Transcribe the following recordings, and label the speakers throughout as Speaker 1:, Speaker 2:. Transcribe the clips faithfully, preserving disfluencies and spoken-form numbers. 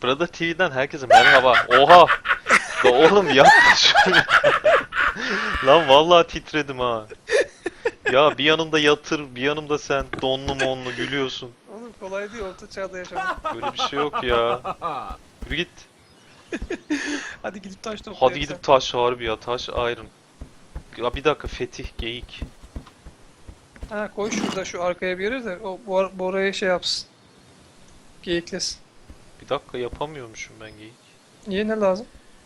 Speaker 1: Brother T V'den herkese merhaba. Oha! Da oğlum yapma şunu. Lan vallahi titredim ha. Ya bir yanımda yatır, bir yanımda sen donlu monlu gülüyorsun.
Speaker 2: Oğlum kolay değil, orta çağda yaşamak.
Speaker 1: Böyle bir şey yok ya. Yürü git.
Speaker 2: Hadi gidip taş toplayalım.
Speaker 1: Hadi gidip taş harbi ya, taş iron. Ya bir dakika, Fetih, geyik.
Speaker 2: Ha, koy şurada şu arkaya bir yere de o bu, bu oraya şey yapsın. Geyiklesin.
Speaker 1: Bir dakika, yapamıyormuşum ben geyik.
Speaker 2: Niye, ne lazım?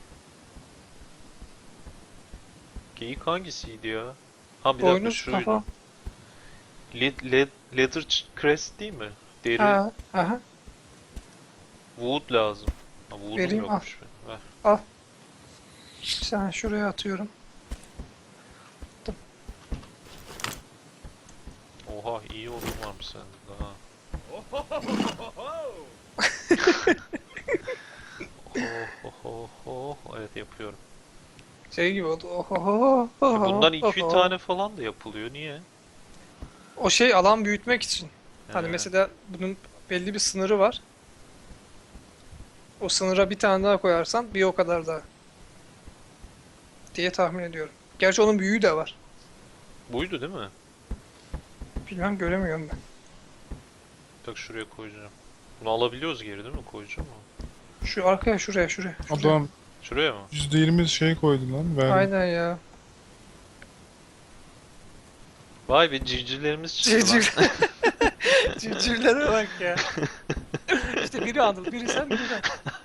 Speaker 1: Geyik hangisiydi ya? Ha bir dakika,
Speaker 2: Boynuz,
Speaker 1: şuydu.
Speaker 2: kafa.
Speaker 1: Led, led, leather crest değil mi? Deri.
Speaker 2: Ha, aha.
Speaker 1: Wood lazım. Ha, wood'um
Speaker 2: Vereyim,
Speaker 1: yokmuş benim. Ver.
Speaker 2: Sen şuraya atıyorum.
Speaker 1: Oha, iyi odun varmış sende daha. Oh, oh, oh, oh. Evet, yapıyorum.
Speaker 2: Şey gibi oldu. Ohoho.
Speaker 1: E bundan iki üç tane falan da yapılıyor. Niye?
Speaker 2: O şey alan büyütmek için. Hani
Speaker 1: He.
Speaker 2: mesela bunun belli bir sınırı var. O sınıra bir tane daha koyarsan bir o kadar daha. Diye tahmin ediyorum. Gerçi onun büyüğü de var.
Speaker 1: Buydu değil mi?
Speaker 2: Bilmem, göremiyorum ben.
Speaker 1: Bak şuraya koyacağım. Bunu alabiliyoruz geri değil mi? Koyacağım mı?
Speaker 2: Şu arkaya, şuraya, şuraya. şuraya.
Speaker 3: Adam
Speaker 1: Şuraya mı?
Speaker 3: yüzde yirmi şey koydu lan. Verdi.
Speaker 2: Aynen ya.
Speaker 1: Vay be, civcivlerimiz çıktı lan.
Speaker 2: Civciv. Civcivlere bak ya. İşte biri Anıl, biri sen, biri ben.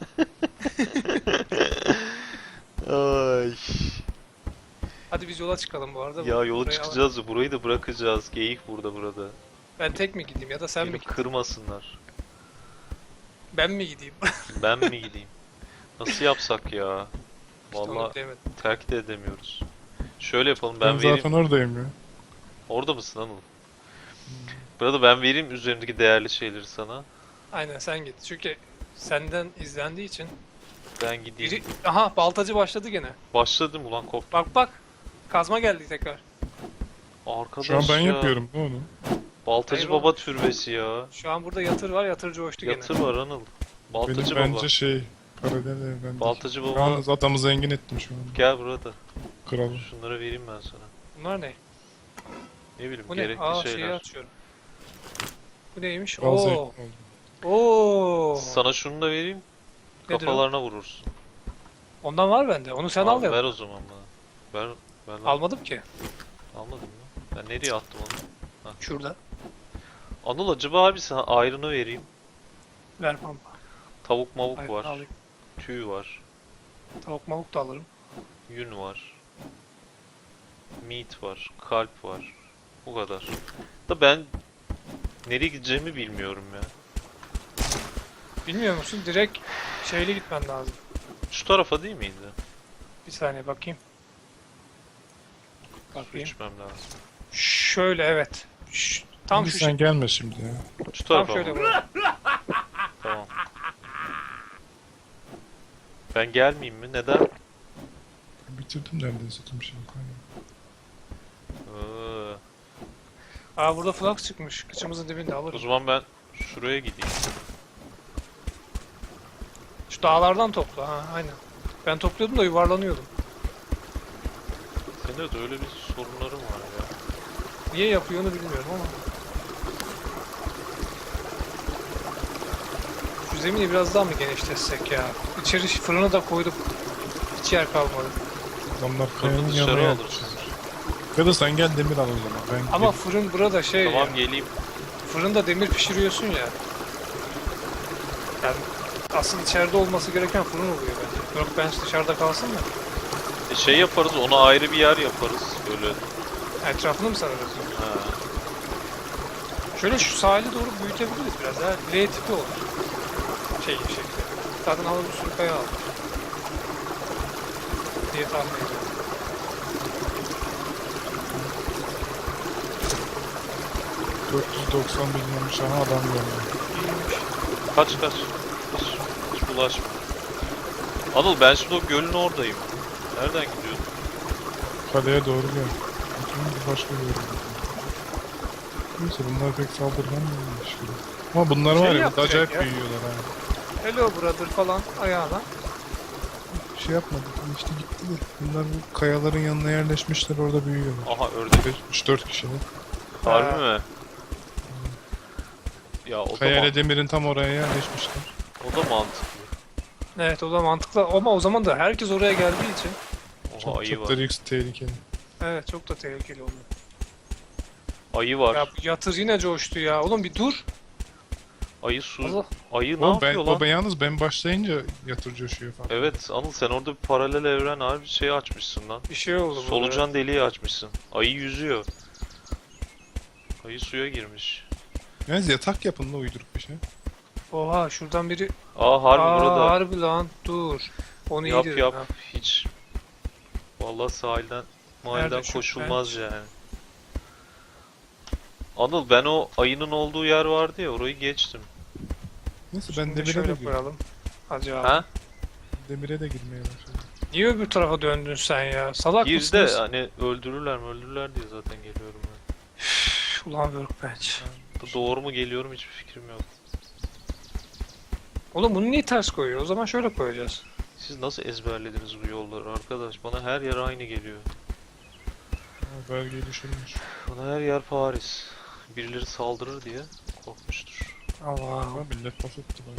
Speaker 1: Ay.
Speaker 2: Hadi biz yola çıkalım bu arada.
Speaker 1: Ya yola
Speaker 2: Burayı
Speaker 1: çıkacağız da burayı da bırakacağız. Geyik burada burada.
Speaker 2: al- Ben tek mi gideyim ya da sen mi
Speaker 1: Beni
Speaker 2: gideyim?
Speaker 1: kırmasınlar.
Speaker 2: Ben mi gideyim?
Speaker 1: Ben mi gideyim? Nasıl yapsak ya?
Speaker 2: İşte onu
Speaker 1: Vallahi
Speaker 2: bilemedim.
Speaker 1: terk de edemiyoruz. Şöyle yapalım,
Speaker 3: Ben,
Speaker 1: ben vereyim.
Speaker 3: zaten oradayım ya.
Speaker 1: Orada mısın Anıl? Burada ben vereyim üzerimdeki değerli şeyleri sana.
Speaker 2: Aynen, sen git. Çünkü senden izlendiği için.
Speaker 1: Ben gideyim.
Speaker 2: Biri... Aha, baltacı başladı gene.
Speaker 1: Başladım ulan, kop.
Speaker 2: Bak bak. Kazma geldi tekrar.
Speaker 1: Arkadaş
Speaker 3: Şu an ben
Speaker 1: ya.
Speaker 3: yapıyorum ne onu?
Speaker 1: Baltacı
Speaker 2: Hayır
Speaker 1: baba
Speaker 2: oğlum.
Speaker 1: türbesi ya.
Speaker 2: Şu an burada yatır var, yatır coştu gene.
Speaker 1: Yatır var Anıl. Baltacı
Speaker 3: Benim
Speaker 1: baba.
Speaker 3: bence şey paralel evrende.
Speaker 1: Baltacı baba.
Speaker 3: Yalnız adamı zengin ettim şu an.
Speaker 1: Gel burada.
Speaker 3: Kralı.
Speaker 1: Şunları vereyim ben sana.
Speaker 2: Bunlar ne?
Speaker 1: Ne bileyim,
Speaker 2: Bu ne?
Speaker 1: gerekli
Speaker 2: Aa, şeyi
Speaker 1: şeyler.
Speaker 2: açıyorum. Bu neymiş?
Speaker 3: Kral zengin
Speaker 2: Oo.
Speaker 3: oldu.
Speaker 2: Oo.
Speaker 1: Sana şunu da vereyim.
Speaker 2: Nedir o?
Speaker 1: Kafalarına vurursun.
Speaker 2: Ondan var bende. Onu sen al
Speaker 1: Al,
Speaker 2: ya.
Speaker 1: ver o zaman bana. Ver, ver lan.
Speaker 2: Almadım ki.
Speaker 1: Almadın mı? Ben nereye attım onu?
Speaker 2: Şurada.
Speaker 1: Anıl, acaba abi sana ayrını vereyim.
Speaker 2: Ver pampa.
Speaker 1: Tavuk mavuk
Speaker 2: Hayır,
Speaker 1: var.
Speaker 2: alayım.
Speaker 1: Tüy var.
Speaker 2: Tavuk mavuk da alırım.
Speaker 1: Yün var. Meat var. Kalp var. Bu kadar. Da ben nereye gideceğimi bilmiyorum ya.
Speaker 2: Bilmiyor musun? Direkt şeyle gitmen lazım.
Speaker 1: Şu tarafa değil miydi?
Speaker 2: Bir saniye bakayım.
Speaker 1: Su
Speaker 2: Bakayım.
Speaker 1: içmem lazım.
Speaker 2: Şöyle, evet. Ş- tam
Speaker 3: Şimdi
Speaker 2: şu
Speaker 3: sen
Speaker 2: şey.
Speaker 3: gelme şimdi ya.
Speaker 1: Şu
Speaker 2: Tam
Speaker 1: tarafa
Speaker 2: şöyle
Speaker 1: mı?
Speaker 2: vuralım.
Speaker 1: Tamam. Ben gelmeyeyim mi? Neden?
Speaker 3: Bitirdim neredeyse tüm şeyi.
Speaker 1: Ee,
Speaker 2: Aa, burada flux çıkmış. Kıçımızın dibinde
Speaker 1: o
Speaker 2: alırım.
Speaker 1: zaman ben şuraya gideyim.
Speaker 2: Şu dağlardan topla. Ha, aynen. Ben topluyordum da yuvarlanıyordum.
Speaker 1: Senin de öyle bir sorunların var ya.
Speaker 2: Niye yapıyor onu bilmiyorum ama. Şu zemini biraz daha mı genişletsek ya? İçeri fırını da koyduk. Hiç yer kalmadı.
Speaker 3: Adamlar
Speaker 1: Kapı
Speaker 3: kayanın
Speaker 1: dışarı
Speaker 3: yanına
Speaker 1: alırsın.
Speaker 3: yapmışlar. Ya da sen gel demir al o zaman. Ben
Speaker 2: Ama
Speaker 3: gideyim.
Speaker 2: fırın burada şey
Speaker 1: Tamam,
Speaker 2: ya.
Speaker 1: geleyim.
Speaker 2: Fırında demir pişiriyorsun ya. Yani asıl içeride olması gereken fırın oluyor bence. Yok, ben dışarıda kalsın da.
Speaker 1: E şey yaparız, ona ayrı bir yer yaparız. Böyle.
Speaker 2: Etrafını mı sararız?
Speaker 1: Ha.
Speaker 2: Şöyle şu sahili doğru büyütebiliriz biraz daha. L tipi olur. Şey şekli. Zaten havada bir sürü kaya almış. Diye tahmin ediyorum.
Speaker 3: dört yüz doksan milyon şaha adam geldi.
Speaker 2: İyiymiş.
Speaker 1: Kaç kaç. Kaç. Hiç bulaşma. Anıl, ben şimdi o gölün oradayım. Nereden gidiyorsun?
Speaker 3: Kaleye doğru gel. Bütün başka bir yere. Neyse bunlar pek saldırgan değilmiş gibi. Ama bunlar
Speaker 2: Şey
Speaker 3: var ya
Speaker 2: yapacak
Speaker 3: acayip
Speaker 2: ya.
Speaker 3: büyüyorlar ha.
Speaker 2: Hello brother falan ayağına.
Speaker 3: Bir şey yapmadık. İşte gittiler. Bunlar bu kayaların yanına yerleşmişler, orada büyüyorlar.
Speaker 1: Aha ördek.
Speaker 3: üç dört kişiler.
Speaker 1: Harbi
Speaker 2: Ha.
Speaker 1: mi? Ya o da,
Speaker 3: Kaya ile
Speaker 1: man-
Speaker 3: demirin tam oraya yerleşmişler.
Speaker 1: o da mantıklı.
Speaker 2: Evet o da mantıklı ama o zaman da herkes oraya geldiği için
Speaker 1: Oha
Speaker 3: Çok,
Speaker 1: ayı
Speaker 3: çok
Speaker 1: var.
Speaker 3: da risk tehlikeli.
Speaker 2: evet çok da tehlikeli oluyor.
Speaker 1: Ayı var.
Speaker 2: Ya bu yatır yine coştu ya. Oğlum bir dur.
Speaker 1: Ayı su.
Speaker 2: Allah.
Speaker 1: Ayı ne
Speaker 3: Oğlum
Speaker 1: yapıyor
Speaker 3: ben,
Speaker 1: lan?
Speaker 3: o ben yalnız ben başlayınca yatır coşuyor falan.
Speaker 1: Evet Anıl sen orada bir paralel evren harbi şey açmışsın lan.
Speaker 2: Bir şey oldu burada.
Speaker 1: Solucan deliği açmışsın. Ayı yüzüyor. Ayı suya girmiş.
Speaker 3: Yalnız yatak yapın da uyduruk bir şey.
Speaker 2: Oha şuradan biri.
Speaker 1: Aa harbi
Speaker 2: Aa,
Speaker 1: burada.
Speaker 2: harbi lan dur. Onu iyi
Speaker 1: Yap
Speaker 2: dedin
Speaker 1: yap
Speaker 2: ha.
Speaker 1: hiç. Vallahi sahilden mahalleden
Speaker 2: Nerede şu
Speaker 1: koşulmaz yani. Anıl ben o ayının olduğu yer vardı ya orayı geçtim.
Speaker 3: Neyse ben
Speaker 2: Şimdi
Speaker 3: demire de
Speaker 2: şöyle
Speaker 3: girdim.
Speaker 2: koyalım. Hadi abi.
Speaker 1: Ha?
Speaker 3: Demire de girmeye başladım.
Speaker 2: Niye öbür tarafa döndün sen ya? Salak
Speaker 1: Gir de
Speaker 2: mısınız?
Speaker 1: hani öldürürler mi öldürürler diye zaten geliyorum ben.
Speaker 2: Üf, Ulan workbench.
Speaker 1: Bu doğru mu geliyorum hiçbir fikrim yok.
Speaker 2: Oğlum bunu niye ters koyuyor? O zaman şöyle koyacağız.
Speaker 1: Siz nasıl ezberlediniz bu yolları arkadaş? Bana her yer aynı geliyor.
Speaker 3: Ama belge düşürmüş.
Speaker 1: Bana her yer Paris. Birileri saldırır diye korkmuştur.
Speaker 2: Allah.
Speaker 3: Ama millet laf etti bana.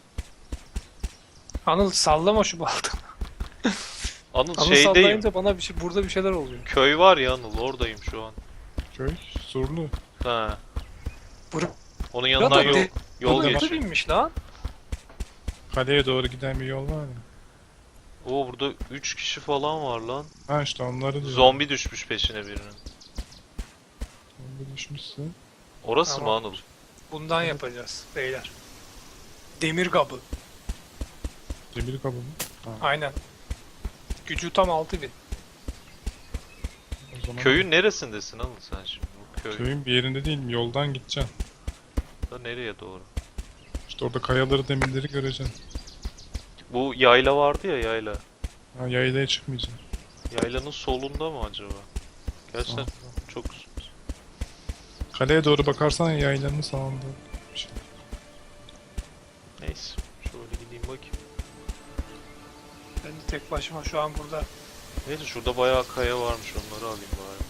Speaker 2: Anıl sallama şu baltanı.
Speaker 1: Anıl
Speaker 2: Anıl
Speaker 1: şeydeyim.
Speaker 2: sallayınca bana bir şey, burada bir şeyler oluyor.
Speaker 1: Köy var ya Anıl oradayım şu an.
Speaker 3: Köy, surlu.
Speaker 1: Ha.
Speaker 2: Bur-
Speaker 1: Onun
Speaker 2: Ya
Speaker 1: yanından
Speaker 2: da
Speaker 1: yol,
Speaker 2: de-
Speaker 1: yol
Speaker 2: Burada
Speaker 1: geçiyor.
Speaker 2: binmiş lan.
Speaker 3: Kaleye doğru giden bir yol var ya.
Speaker 1: Oo burada üç kişi falan var lan.
Speaker 3: Ha işte onları diyor.
Speaker 1: Zombi düşmüş peşine birinin.
Speaker 3: Zombi düşmüşse.
Speaker 1: Orası
Speaker 2: Tamam.
Speaker 1: mı Anıl?
Speaker 2: Bundan yapacağız beyler. Demir kabı.
Speaker 3: Demir kabı mı?
Speaker 2: Aynen. Gücü tam altı bin.
Speaker 3: O zaman
Speaker 1: Köyün neresindesin Anıl sen şimdi? Bu köy
Speaker 3: köyün bir yerinde değilim. Yoldan gideceksin.
Speaker 1: da nereye doğru?
Speaker 3: İşte orada kayaları, demirleri göreceksin.
Speaker 1: Bu yayla vardı ya yayla.
Speaker 3: Ha, yaylaya çıkmayacaksın.
Speaker 1: Yaylanın solunda mı acaba? Gerçekten
Speaker 3: Sağ.
Speaker 1: çok...
Speaker 3: Kaleye doğru bakarsan yaylanın sağında bir şey.
Speaker 1: Neyse. Şöyle gideyim bakayım.
Speaker 2: Ben de tek başıma şu an burada.
Speaker 1: Neyse şurada bayağı kaya varmış onları alayım bari.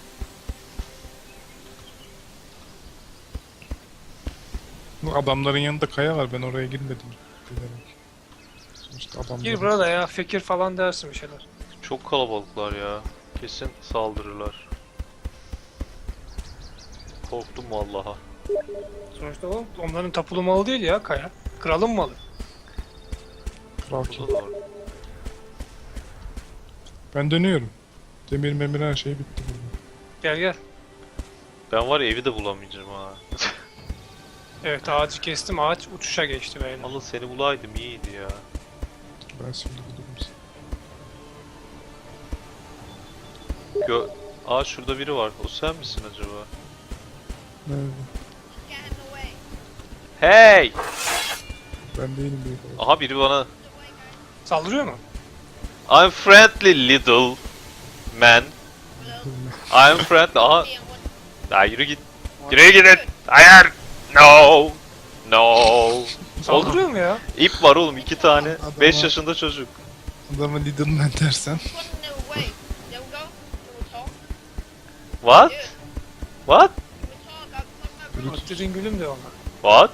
Speaker 3: Bu adamların yanında kaya var. Ben oraya girmedim. Bilerek. Sonuçta adamlar.
Speaker 2: Gir burada ya fikir falan dersin bir şeyler.
Speaker 1: Çok kalabalıklar ya. Kesin saldırırlar. Korktum vallaha.
Speaker 2: Sonuçta o onların tapulu malı değil ya kaya. Kralın malı.
Speaker 3: Kral kim?
Speaker 1: Burada da var.
Speaker 3: Ben dönüyorum. Demir memir her şey bitti burada.
Speaker 2: Gel gel.
Speaker 1: Ben var ya evi de bulamayacağım ha.
Speaker 2: Evet ağacı kestim ağaç uçuşa geçti beyler.
Speaker 1: Allah seni bulaydım iyiydi ya.
Speaker 3: Ben şimdi bulurum seni.
Speaker 1: Gö Aa şurada biri var. O sen misin acaba?
Speaker 3: Nerede?
Speaker 4: Get in the way.
Speaker 1: Hey!
Speaker 3: Ben değilim büyük olarak.
Speaker 1: Aha biri bana
Speaker 2: Saldırıyor mu?
Speaker 1: I'm friendly little man. I'm friendly. Aha.
Speaker 4: Being one.
Speaker 1: Ya yürü git. Yürü gidin. Hayır. No. No.
Speaker 2: Saldırıyor mu ya?
Speaker 1: İp var oğlum iki tane.
Speaker 3: Adam
Speaker 1: beş
Speaker 3: var.
Speaker 1: yaşında çocuk.
Speaker 3: Adamı Lidl man dersen.
Speaker 4: Put in the way. There we go. Can we talk?
Speaker 1: What?
Speaker 4: Yeah.
Speaker 1: What?
Speaker 4: Can we talk? I'm my brother.
Speaker 2: Ötlerin gülüm de ona.
Speaker 1: What?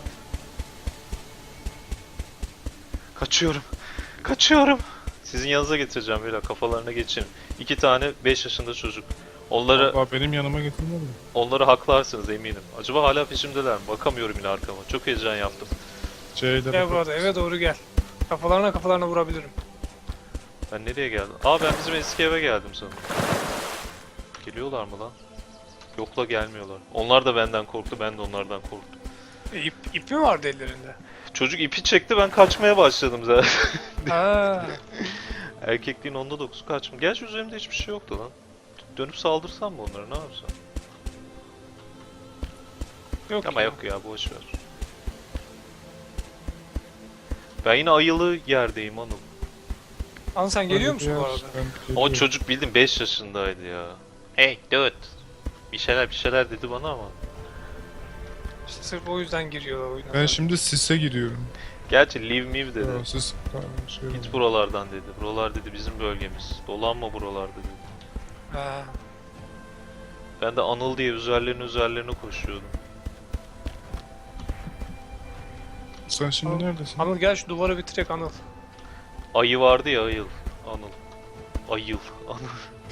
Speaker 1: Kaçıyorum. Kaçıyorum. Sizin yanınıza getireceğim böyle kafalarına geçin. İki tane beş yaşında çocuk. Onları
Speaker 3: Valla benim yanıma getirmedi mi?
Speaker 1: onları haklarsınız eminim. Acaba hala peşimdeler mi? Bakamıyorum yine arkama. Çok heyecan yaptım.
Speaker 3: C ile
Speaker 2: Gel burada eve doğru gel. Kafalarına kafalarına vurabilirim.
Speaker 1: Ben nereye geldim? Aa ben bizim eski eve geldim sanırım. Geliyorlar mı lan? Yok la gelmiyorlar. Onlar da benden korktu, ben de onlardan korktum.
Speaker 2: E, ip, ip mi vardı ellerinde?
Speaker 1: Çocuk ipi çekti, ben kaçmaya başladım zaten.
Speaker 2: Ha.
Speaker 1: Erkekliğin onda dokuzu kaçma. Gerçi üzerimde hiçbir şey yoktu lan. Dönüp saldırsam mı onlara, ne yapsam?
Speaker 2: Yok
Speaker 1: Ama
Speaker 2: ya.
Speaker 1: yok ya, boş ver. Ben yine ayılı yerdeyim Anıl.
Speaker 2: An sen geliyor musun bu arada?
Speaker 1: O çocuk bildim beş yaşındaydı ya. Hey dude. Bir şeyler bir şeyler dedi bana ama.
Speaker 2: İşte sırf o yüzden giriyorlar oyuna.
Speaker 3: Ben şimdi sise giriyorum.
Speaker 1: Gerçi leave me dedi.
Speaker 3: Yo, siz şey
Speaker 1: Git buralardan dedi. Buralar dedi bizim bölgemiz. Dolanma buralarda dedi.
Speaker 2: Ha.
Speaker 1: Ben de Anıl diye üzerlerine üzerlerine koşuyordum.
Speaker 3: Sen şimdi
Speaker 2: Anıl-
Speaker 3: neredesin?
Speaker 2: Anıl gel şu duvarı bitirek Anıl.
Speaker 1: Ayı vardı ya ayıl. Anıl. Ayıl. Anıl.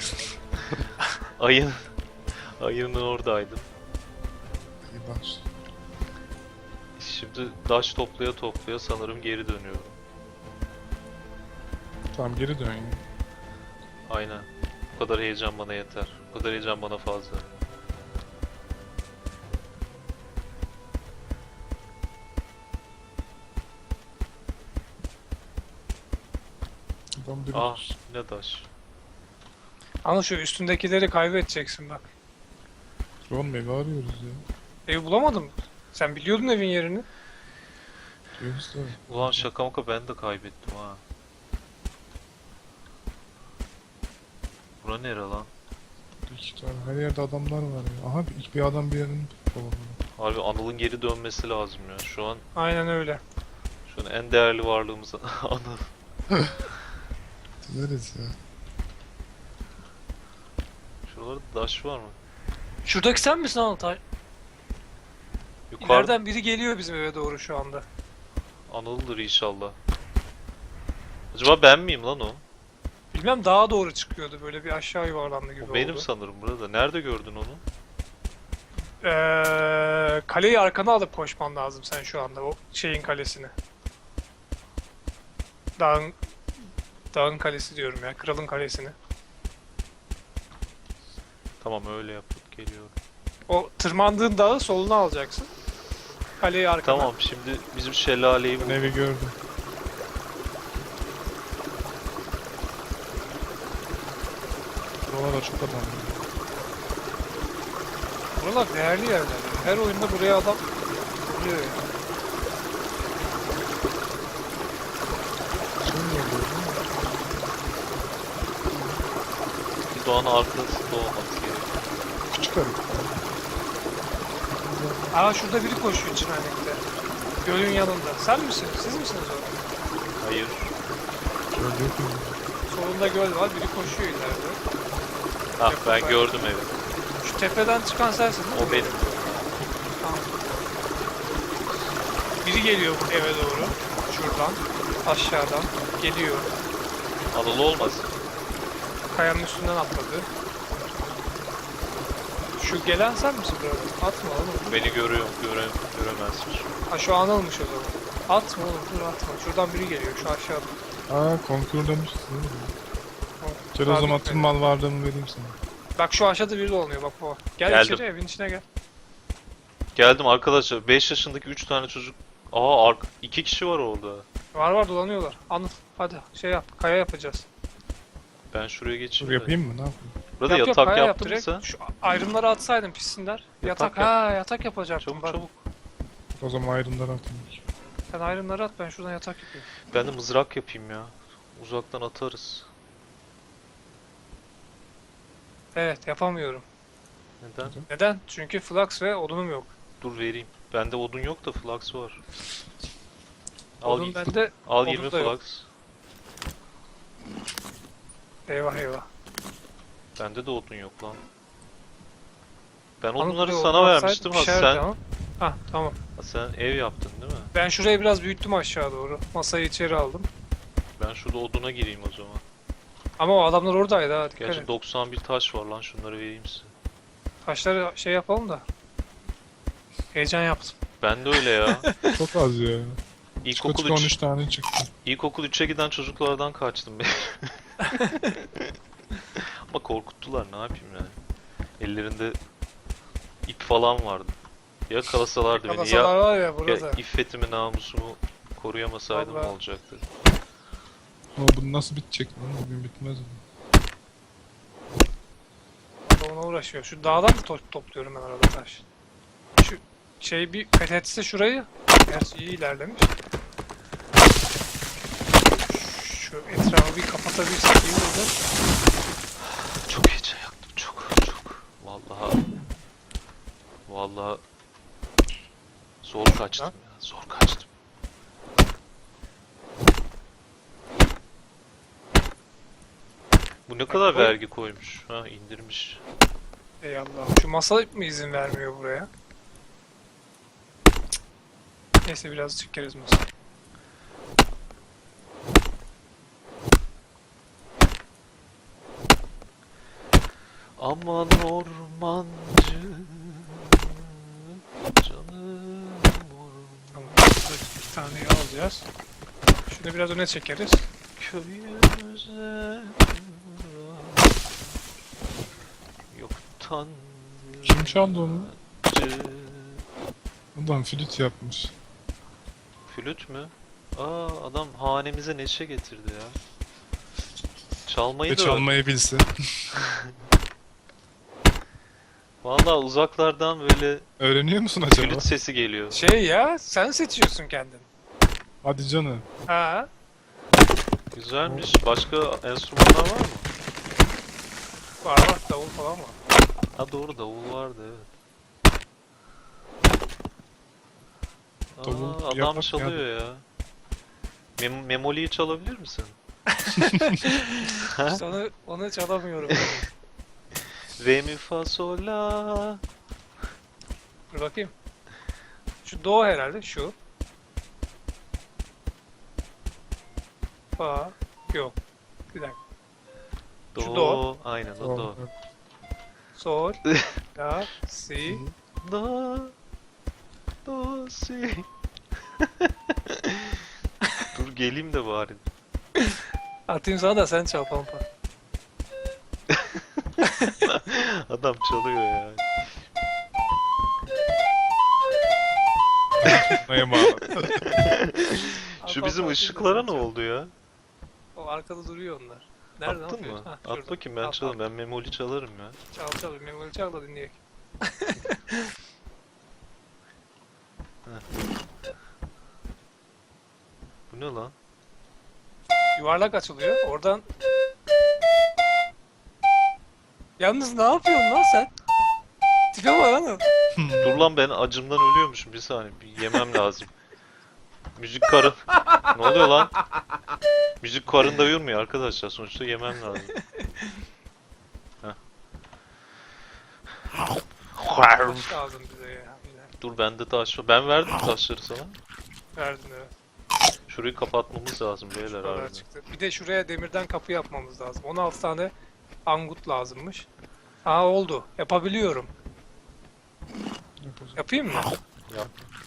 Speaker 1: Ayın. Ayının oradaydım.
Speaker 3: İyi baş.
Speaker 1: Şimdi daş toplaya toplaya sanırım geri dönüyorum.
Speaker 3: Tamam geri dön ya.
Speaker 1: Aynen. Bu kadar heyecan bana yeter. Bu kadar heyecan bana fazla.
Speaker 3: Adam biri
Speaker 1: Ah ne daş.
Speaker 2: Anıl şu üstündekileri kaybedeceksin bak.
Speaker 3: Oğlum evi arıyoruz ya.
Speaker 2: Evi bulamadım. Sen biliyordun evin yerini.
Speaker 3: Diyoruz da.
Speaker 1: Ulan şaka maka ben de kaybettim ha. Bura nere lan?
Speaker 3: İki tane her yerde adamlar var ya. Aha bir, bir adam bir yerini kovalıyor.
Speaker 1: Harbi Anıl'ın geri dönmesi lazım ya. Şu an
Speaker 2: Aynen öyle.
Speaker 1: şu an en değerli varlığımız Anıl.
Speaker 3: Dileriz ya.
Speaker 1: Şuralarda daş var mı?
Speaker 2: Şuradaki sen misin Anıl? Ta-
Speaker 1: Yukarıda
Speaker 2: İleriden biri geliyor bizim eve doğru şu anda.
Speaker 1: Anıl'dır inşallah. Acaba ben miyim lan o?
Speaker 2: Bilmem dağa doğru çıkıyordu böyle bir aşağı yuvarlandı gibi
Speaker 1: O benim
Speaker 2: oldu.
Speaker 1: sanırım burada. Nerede gördün onu?
Speaker 2: Ee, kaleyi arkana alıp koşman lazım sen şu anda o şeyin kalesini. Dağın Dağın kalesi diyorum ya, kralın kalesini.
Speaker 1: Tamam öyle yapıp geliyorum.
Speaker 2: O tırmandığın dağı soluna alacaksın. Kaleyi arkana.
Speaker 1: Tamam şimdi bizim şelaleyi
Speaker 3: Ben
Speaker 1: bul.
Speaker 3: evi gördüm. Buralarda çok adam var.
Speaker 2: Buralar değerli yerler. Her oyunda buraya adam vuruyor ya.
Speaker 3: Sen niye gördün?
Speaker 1: Bir doğanın arkasında olması gerekiyor.
Speaker 3: Küçük harita.
Speaker 2: Aa şurada biri koşuyor çimenlikte. Gölün yanında. Sen misin? Siz misiniz orada?
Speaker 1: Hayır.
Speaker 3: Şöyle yok mu?
Speaker 2: Solunda göl var. Biri koşuyor ileride.
Speaker 1: Ah ben
Speaker 2: Yakın-
Speaker 1: gördüm evi.
Speaker 2: Şu tepeden çıkan sensin değil mi?
Speaker 1: O benim.
Speaker 2: Tamam. Biri geliyor bu eve doğru. Şuradan. Aşağıdan. Geliyor.
Speaker 1: Anıl olmasın.
Speaker 2: Kayanın üstünden atladı. Şu gelen sen misin burada? Atma oğlum.
Speaker 1: Beni görüyor, göre, göremezmiş.
Speaker 2: Ha şu Anıl'mış o zaman. Atma oğlum dur atma. Şuradan biri geliyor şu aşağıda.
Speaker 3: Aa konkur demişsin değil mi? Gel o
Speaker 2: Daha
Speaker 3: zaman
Speaker 2: bitmedi.
Speaker 3: tüm mal varlığımı vereyim sana.
Speaker 2: Bak şu aşağıda biri dolanıyor bak bu. Gel
Speaker 1: Geldim.
Speaker 2: içeri evin içine gel.
Speaker 1: Geldim arkadaşlar. beş yaşındaki üç tane çocuk. Aa ark iki kişi var orada.
Speaker 2: Var var dolanıyorlar. Anıl hadi şey yap. Kaya yapacağız.
Speaker 1: Ben şuraya
Speaker 3: Dur
Speaker 1: geçeyim de.
Speaker 3: yapayım mı? Ne yapayım?
Speaker 1: Burada
Speaker 2: Yap, yap,
Speaker 1: yatak
Speaker 2: kaya yap
Speaker 1: yaptın mı
Speaker 2: direkt.
Speaker 1: sen?
Speaker 2: Şu ayrımları atsaydın pissinler. Yatak,
Speaker 1: Yatak yap.
Speaker 2: ha yatak yapacaktım
Speaker 1: Çabuk
Speaker 2: bak.
Speaker 1: çabuk.
Speaker 3: O zaman ayrımları atayım.
Speaker 2: Sen ayrımları at ben şuradan yatak yapayım.
Speaker 1: Ben de mızrak yapayım ya. Uzaktan atarız.
Speaker 2: Evet yapamıyorum.
Speaker 1: Neden?
Speaker 2: Neden? Çünkü flux ve odunum yok.
Speaker 1: Dur vereyim. Bende odun yok da flux var. Al,
Speaker 2: Odun
Speaker 1: y-
Speaker 2: bende
Speaker 1: al
Speaker 2: odun
Speaker 1: yirmi
Speaker 2: da yok.
Speaker 1: flux.
Speaker 2: Eyvah eyvah.
Speaker 1: Bende de odun yok lan. Ben
Speaker 2: Anıl
Speaker 1: odunları
Speaker 2: buraya
Speaker 1: sana
Speaker 2: odun atsaydı
Speaker 1: vermiştim ha
Speaker 2: pişerdi
Speaker 1: sen,
Speaker 2: ama. Hah tamam.
Speaker 1: ha sen ev yaptın değil mi?
Speaker 2: Ben şurayı biraz büyüttüm aşağı doğru. Masayı içeri aldım.
Speaker 1: Ben şurada oduna gireyim o zaman.
Speaker 2: Ama o adamlar oradaydı ha dikkat
Speaker 1: Gerçi
Speaker 2: et.
Speaker 1: doksan bir taş var lan şunları vereyim size.
Speaker 2: Taşları şey yapalım da. Heyecan yaptım.
Speaker 1: Ben de öyle ya.
Speaker 3: Çok az ya. Çıka
Speaker 1: İlkokul
Speaker 3: çıka on üç
Speaker 1: üç,
Speaker 3: tane çıktı.
Speaker 1: İlkokul üçe giden çocuklardan kaçtım ben. Ama korkuttular ne yapayım yani. Ellerinde ip falan vardı. Ya yakalasalardı beni
Speaker 2: Kalasalar
Speaker 1: ya,
Speaker 2: var ya
Speaker 1: ya
Speaker 2: burada.
Speaker 1: iffetimi namusumu koruyamasaydım
Speaker 2: Vallahi.
Speaker 1: ne olacaktı?
Speaker 3: Ama bu nasıl bitecek lan? Bugün bitmez mi?
Speaker 2: Ona uğraşıyor. Şu dağdan da to- topluyorum ben arada taş. Şu şey bir fethetse şurayı. Gerçi iyi ilerlemiş. Şu etrafı bir kapatabilsek iyi olur.
Speaker 1: Çok heyecan yaptım çok çok. Vallahi vallahi zor kaçtım ya zor kaçtım. Bu ne kadar
Speaker 2: koy.
Speaker 1: vergi koymuş. Ha indirmiş.
Speaker 2: Ey Allah. Şu masa mı izin vermiyor buraya? Neyse biraz çekeriz masa.
Speaker 1: Aman ormancı canım orman
Speaker 2: Tamam. Bir taneyi alacağız. Şunu biraz öne çekeriz.
Speaker 1: köyümüze yoktan
Speaker 3: Kim çaldı onu?
Speaker 1: yabancı.
Speaker 3: Adam flüt yapmış.
Speaker 1: Flüt mü? Aa adam hanemize neşe getirdi ya. Çalmayı
Speaker 3: Ve
Speaker 1: da
Speaker 3: çalmayı bilse.
Speaker 1: Valla uzaklardan böyle
Speaker 3: Öğreniyor musun acaba?
Speaker 1: flüt sesi geliyor.
Speaker 2: Şey ya, sen seçiyorsun kendin.
Speaker 3: Hadi canım.
Speaker 2: Ha?
Speaker 1: Güzelmiş. Başka enstrümanlar var mı?
Speaker 2: Var var, davul falan var.
Speaker 1: Ha doğru davul vardı evet.
Speaker 3: Davul
Speaker 1: Aa, adam
Speaker 3: yapak
Speaker 1: çalıyor ya. Mem Memoli'yi çalabilir misin?
Speaker 2: İşte onu, onu çalamıyorum.
Speaker 1: Re mi fa sol la.
Speaker 2: Dur bakayım. Şu do herhalde, şu. Fa. Yok. Bir dakika.
Speaker 1: Do.
Speaker 2: Şu do.
Speaker 1: Aynen o do.
Speaker 2: Sol. La. Si.
Speaker 1: Do. Do si. Dur geleyim de bari.
Speaker 2: Atayım sana da sen çal pampa.
Speaker 1: Adam çalıyor ya.
Speaker 3: Neye bağlı?
Speaker 1: Şu bizim ışıklara ne oldu ya?
Speaker 2: O arkada duruyor onlar. Nerede
Speaker 1: Attın
Speaker 2: yapıyor?
Speaker 1: mı?
Speaker 2: Ha,
Speaker 1: At
Speaker 2: şurada.
Speaker 1: bakayım ben
Speaker 2: Al,
Speaker 1: çalarım.
Speaker 2: al.
Speaker 1: Ben memoli çalarım ya.
Speaker 2: Çal çal. Memoli çal da dinleyek.
Speaker 1: Bu ne lan?
Speaker 2: Yuvarlak açılıyor. Oradan... Yalnız ne yapıyorsun lan sen? Tipe bak lan.
Speaker 1: Dur lan ben acımdan ölüyormuşum. Bir saniye. Bir yemem lazım. Müzik karın. Ne oluyor lan? Müzik karın da yormuyor arkadaşlar. Sonuçta yemem lazım. Heh.
Speaker 2: Taş lazım bize ya. Yine.
Speaker 1: Dur bende taş var. Ben verdim taşları sana.
Speaker 2: Verdin evet.
Speaker 1: Şurayı kapatmamız lazım beyler
Speaker 2: Şu kadar
Speaker 1: harbiden.
Speaker 2: çıktı. Bir de şuraya demirden kapı yapmamız lazım. on altı tane angut lazımmış. Aa oldu. Yapabiliyorum. Yapayım mı?
Speaker 1: Yap.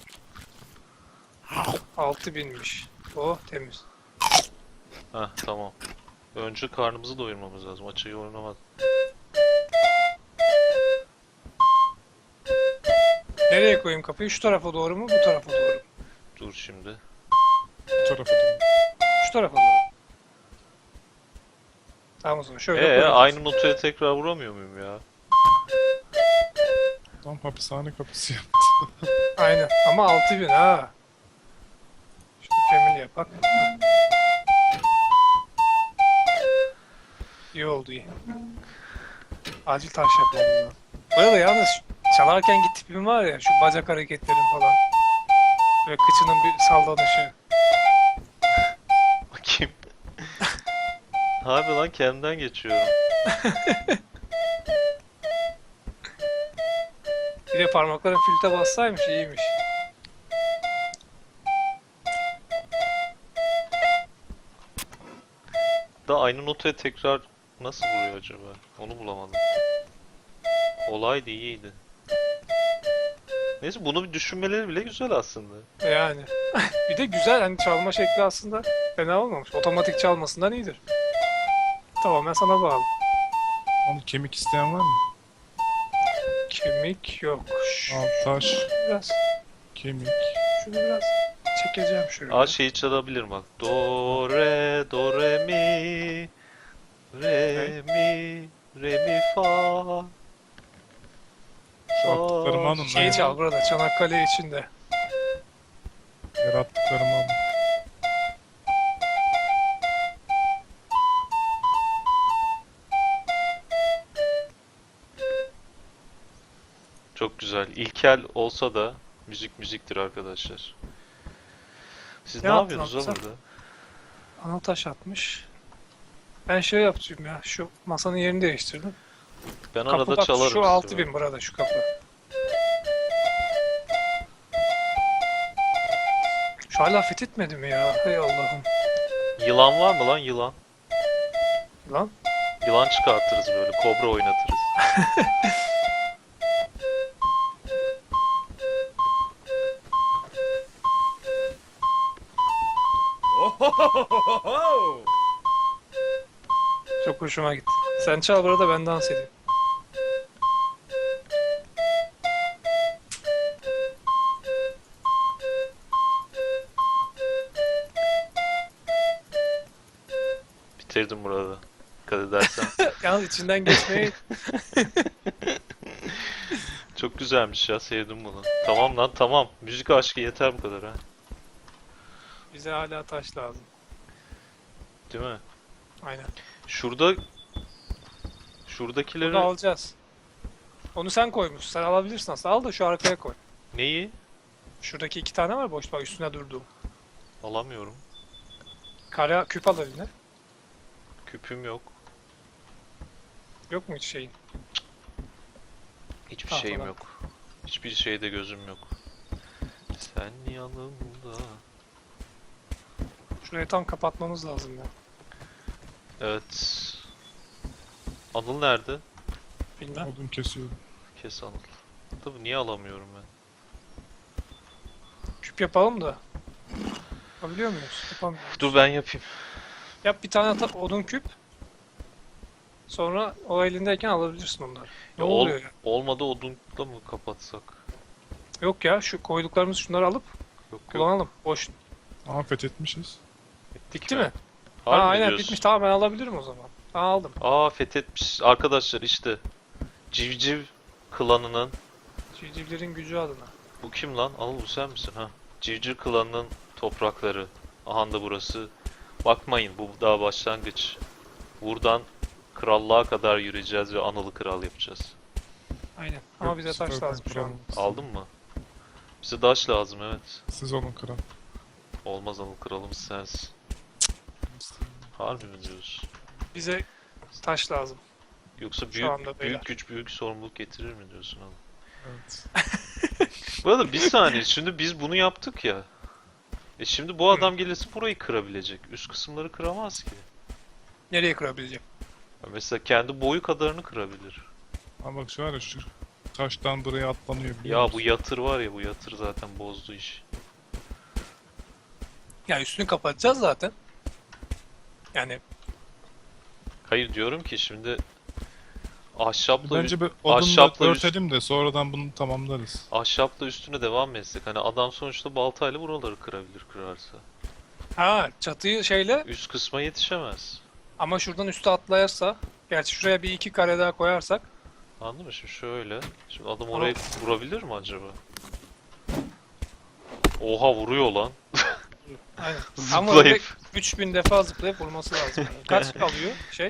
Speaker 2: altı binmiş. Oh temiz.
Speaker 1: Heh tamam. Önce karnımızı doyurmamız lazım. Açıyı oynamadım.
Speaker 2: Nereye koyayım kapıyı? Şu tarafa doğru mu? Bu tarafa doğru mu?
Speaker 1: Dur şimdi.
Speaker 3: Bu tarafa dön.
Speaker 2: Şu tarafa doğru. Tamam o zaman şöyle
Speaker 1: Ee
Speaker 2: koyalım.
Speaker 1: aynı notaya tekrar vuramıyor muyum ya?
Speaker 3: Tam hapishane kapısı yaptı.
Speaker 2: Aynen. Ama altı bin ha. Şunu family yapak. İyi oldu iyi. Acil taş yapmam lazım. Bu arada yalnız çalarken git tipim var ya, şu bacak hareketlerim falan. Böyle kıçının bir sallanışı.
Speaker 1: Bakayım. Harbi lan kendimden geçiyorum.
Speaker 2: Bir de parmakların filte bassaymış, iyiymiş.
Speaker 1: Da aynı notaya tekrar nasıl vuruyor acaba? Onu bulamadım. Olay da iyiydi. Neyse bunu bir düşünmeleri bile güzel aslında.
Speaker 2: Yani. Bir de güzel, hani çalma şekli aslında fena olmamış. Otomatik çalmasından iyidir. Tamamen sana bağlı.
Speaker 3: Onu kemik isteyen var mı?
Speaker 2: Kemik yok. Şu
Speaker 3: Al taş,
Speaker 2: biraz,
Speaker 3: kemik.
Speaker 2: şunu biraz çekeceğim şöyle.
Speaker 1: Aa şeyi çalabilirim bak. Do re do re mi re mi re mi fa.
Speaker 3: Şu attıklarımı alın.
Speaker 2: Şeyi çal burada, Çanakkale içinde.
Speaker 3: Yarattıklarımı alın.
Speaker 1: Çok güzel. İlkel olsa da müzik müziktir arkadaşlar. Siz
Speaker 2: Ne
Speaker 1: ne,
Speaker 2: yaptın
Speaker 1: yapıyorsunuz
Speaker 2: Hamza?
Speaker 1: lan burada?
Speaker 2: Ana taş atmış. Ben şey yapacağım ya. Şu masanın yerini değiştirdim.
Speaker 1: Ben
Speaker 2: Kapı
Speaker 1: arada
Speaker 2: bak
Speaker 1: çalarım.
Speaker 2: şu
Speaker 1: size
Speaker 2: altı
Speaker 1: ben.
Speaker 2: bin burada şu kapı. Şu hala fethetmedi mi ya? Hay Allah'ım.
Speaker 1: Yılan var mı lan yılan?
Speaker 2: Lan.
Speaker 1: Yılan çıkartırız böyle. Kobra oynatırız.
Speaker 2: Çok hoşuma gitti. Sen çal burada ben dans edeyim.
Speaker 1: Bitirdim burada. Dikkat edersen.
Speaker 2: Yalnız içinden geçmeyi
Speaker 1: Çok güzelmiş ya. Sevdim bunu. Tamam lan tamam. Müzik aşkı yeter bu kadar ha.
Speaker 2: bize hala taş lazım.
Speaker 1: Değil mi?
Speaker 2: Aynen.
Speaker 1: Şurada şuradakileri
Speaker 2: Bunu alacağız. Onu sen koymuşsun. Sen alabilirsin aslında. Al da şu arkaya koy.
Speaker 1: neyi
Speaker 2: Şuradaki iki tane var boş bak üstüne durduğum.
Speaker 1: alamıyorum.
Speaker 2: Kara küp al eline.
Speaker 1: Küpüm yok.
Speaker 2: Yok mu hiç şeyin?
Speaker 1: Hiçbir
Speaker 2: Ah,
Speaker 1: şeyim
Speaker 2: tamam.
Speaker 1: yok. Hiçbir şeyde gözüm yok. Sen yanımda.
Speaker 2: Şurayı tam kapatmamız lazım ya.
Speaker 1: Evet. Anıl nerede?
Speaker 2: Bilmem.
Speaker 3: Odun kesiyorum.
Speaker 1: Kes Anıl. Tabii niye alamıyorum ben?
Speaker 2: Küp yapalım da. Yapabiliyor muyuz? Yapamıyoruz.
Speaker 1: Dur ben yapayım.
Speaker 2: Yap bir tane ata- odun küp. Sonra o elindeyken alabilirsin onları. Ne
Speaker 1: Ya ol-
Speaker 2: oluyor ya?
Speaker 1: Olmadı odunla mı kapatsak?
Speaker 2: Yok ya şu koyduklarımız şunları alıp
Speaker 1: Yok yok.
Speaker 2: kullanalım. Boş.
Speaker 3: Aa fethetmişiz.
Speaker 1: Ettik
Speaker 2: Bitti mi?
Speaker 1: Harbi
Speaker 2: Ha
Speaker 1: mi
Speaker 2: aynen
Speaker 1: diyorsun?
Speaker 2: bitmiş. Tamam ben alabilirim o zaman. Ha, aldım.
Speaker 1: Aa fethetmiş. Arkadaşlar işte. Civciv klanının.
Speaker 2: Civcivlerin gücü adına.
Speaker 1: Bu kim lan? Anıl bu sen misin ha? Civciv klanının toprakları. Aha da burası. Bakmayın bu daha başlangıç. Buradan krallığa kadar yürüyeceğiz ve Anıl'ı kral yapacağız.
Speaker 2: Aynen. Ama
Speaker 3: Yok,
Speaker 2: bize
Speaker 3: süper
Speaker 2: taş lazım şu an.
Speaker 3: kral.
Speaker 1: Aldın mı? Bize taş lazım evet.
Speaker 3: Siz olun kral.
Speaker 1: Olmaz Anıl kralımız sensin. Harbi mi diyorsun?
Speaker 2: Bize taş lazım.
Speaker 1: Yoksa
Speaker 2: Şu
Speaker 1: büyük
Speaker 2: anda beyler.
Speaker 1: büyük güç büyük sorumluluk getirir mi diyorsun Anıl?
Speaker 3: Evet.
Speaker 1: Bu arada bir saniye şimdi biz bunu yaptık ya. E şimdi bu adam gelirse burayı kırabilecek. Üst kısımları kıramaz ki.
Speaker 2: Nereye kırabileceğim?
Speaker 1: Ya mesela kendi boyu kadarını kırabilir.
Speaker 3: Ama bak şu var ya şu taştan buraya atlanıyor biliyor
Speaker 1: Ya
Speaker 3: musun?
Speaker 1: bu yatır var ya bu yatır zaten bozdu işi.
Speaker 2: Ya üstünü kapatacağız zaten. Yani
Speaker 1: Hayır diyorum ki şimdi ahşapla
Speaker 3: Bence bir odunla
Speaker 1: ahşapla üst-
Speaker 3: örtelim de sonradan bunu tamamlarız.
Speaker 1: ahşapla üstüne devam etsek. Hani adam sonuçta baltayla buraları kırabilir kırarsa.
Speaker 2: ha çatıyı şeyle
Speaker 1: Üst kısma yetişemez.
Speaker 2: ama şuradan üste atlayarsa gerçi şuraya bir iki kare daha koyarsak
Speaker 1: Anladın mı? Şimdi şöyle. Şimdi adam
Speaker 2: Ama-
Speaker 1: oraya vurabilir mi acaba? Oha vuruyor lan.
Speaker 2: aynen. Ama öyle
Speaker 1: Zıplayıp.
Speaker 2: üç bin defa zıplayıp vurması lazım. Yani. Kaç kalıyor şey?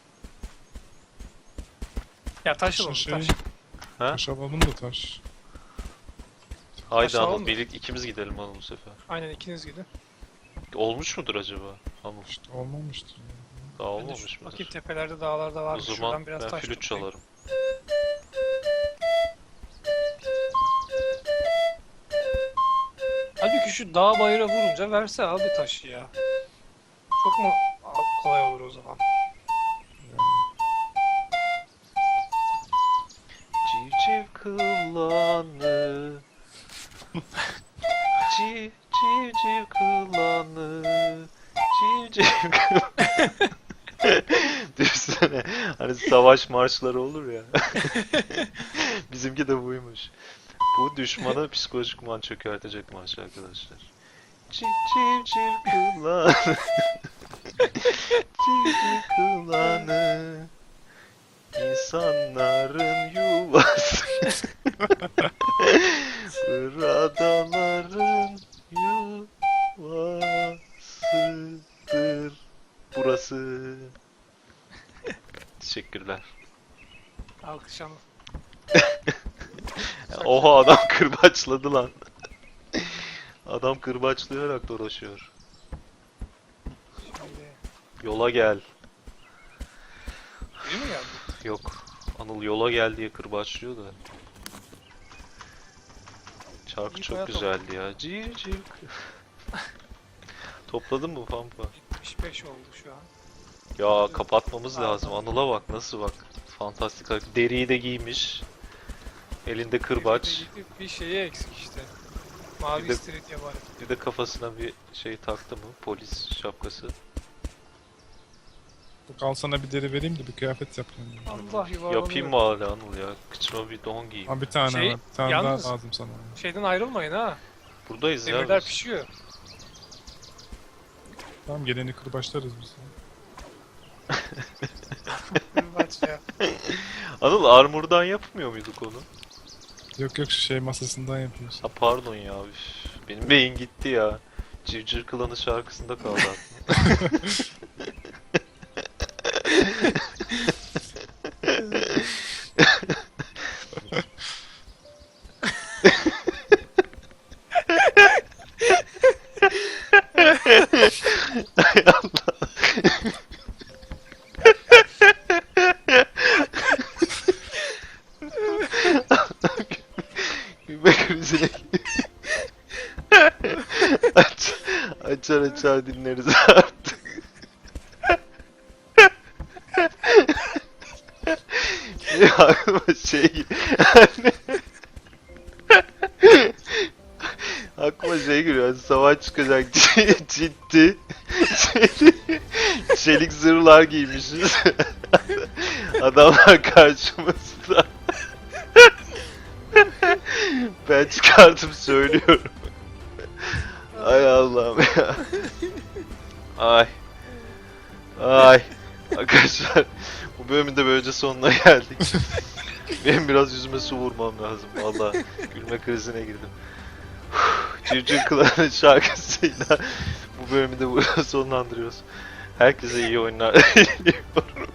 Speaker 2: Ya taş alalım
Speaker 3: Şey-
Speaker 2: taş.
Speaker 1: Ha?
Speaker 3: Taş alalım da taş.
Speaker 1: Haydi
Speaker 2: Aşağı
Speaker 1: Anıl
Speaker 2: olma.
Speaker 1: birlik ikimiz gidelim Anıl bu sefer.
Speaker 2: Aynen ikiniz gidin.
Speaker 1: Olmuş mudur acaba? Anıl
Speaker 3: İşte olmamıştır. ya.
Speaker 1: daha
Speaker 2: Ben de
Speaker 1: olmamış
Speaker 2: şu-
Speaker 1: mıdır?
Speaker 2: bakayım tepelerde dağlarda var
Speaker 1: O
Speaker 2: mı?
Speaker 1: zaman
Speaker 2: Şuradan biraz
Speaker 1: ben
Speaker 2: taş
Speaker 1: flüt
Speaker 2: toplayayım.
Speaker 1: çalarım.
Speaker 2: Halbuki şu dağ bayıra vurunca verse abi taşı ya. Çok mu kolay olur o zaman?
Speaker 1: Civciv kılanı Civ civciv kılanı Civciv kılanı Düşünsene hani savaş marşları olur ya. Bizimki de buymuş. Bu düşmana psikolojik man çökertecek marş arkadaşlar. Civ civciv kılanı Civciv kılanı İnsanların yuvası Buradaların yuvasıdır burası. Teşekkürler.
Speaker 2: Alkışlanır.
Speaker 1: Oha adam kırbaçladı lan. Adam kırbaçlayarak dolaşıyor.
Speaker 2: Şimdi
Speaker 1: Yola gel. Yok. Anıl yola gel diye kırbaçlıyor da. Şarkı
Speaker 2: İyi
Speaker 1: çok
Speaker 2: bayağı
Speaker 1: güzeldi ya. Cık cık. Topladın mı Pampa?
Speaker 2: yetmiş beş oldu şu an.
Speaker 1: Ya kapatmamız
Speaker 2: Aa,
Speaker 1: lazım.
Speaker 2: tamam.
Speaker 1: Anıl'a bak nasıl bak. Fantastik hareket. Deriyi de giymiş. Elinde kırbaç.
Speaker 2: Bir, bir, bir şeyi eksik işte. Mavi
Speaker 1: Bir de-
Speaker 2: istiridye var.
Speaker 1: Bir de kafasına bir şey taktı mı? Polis şapkası.
Speaker 3: Bak al sana bir deri vereyim de bir kıyafet yap kendine.
Speaker 2: Allah yuvarlanıyor.
Speaker 1: Yapayım mı hala Anıl ya? Kıçıma bir don giyeyim.
Speaker 3: Ha bir tane
Speaker 2: Şey,
Speaker 3: var. Bir tane
Speaker 2: yalnız-
Speaker 3: daha lazım sana.
Speaker 2: Şeyden ayrılmayın ha.
Speaker 1: Buradayız ya.
Speaker 2: Demirler
Speaker 1: biz.
Speaker 2: pişiyor.
Speaker 3: Tamam geleni kırbaçlarız biz.
Speaker 2: Kırbaç ya.
Speaker 1: Anıl armurdan yapmıyor muyduk onu?
Speaker 3: Yok yok şu şey masasından yapıyorsun.
Speaker 1: Ha pardon ya. Üf, benim beyin gitti ya. Cırcır Klanı şarkısında kaldı aklım. Hay Allah. Gülme krizine Aç, açar açar dinleriz artık. Benim aklıma şey aklıma şey geliyor. Hani savaş çıkacak ciddi çelik, çelik zırhlar giymişiz. Adamlar karşımızda. Ben çıkartıp söylüyorum. Ay Allah'ım ya. Ay. Ay. Arkadaşlar bu bölümün de böylece sonuna geldik. Benim biraz yüzüme su vurmam lazım. Vallahi gülme krizine girdim. Cırcır Klan'ın şarkısıyla bu bölümü de burada sonlandırıyoruz. Herkese iyi oyunlar diliyorum.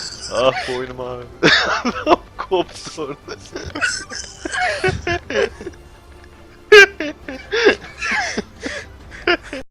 Speaker 1: Ah boynum ağrıyor. Koptu orada.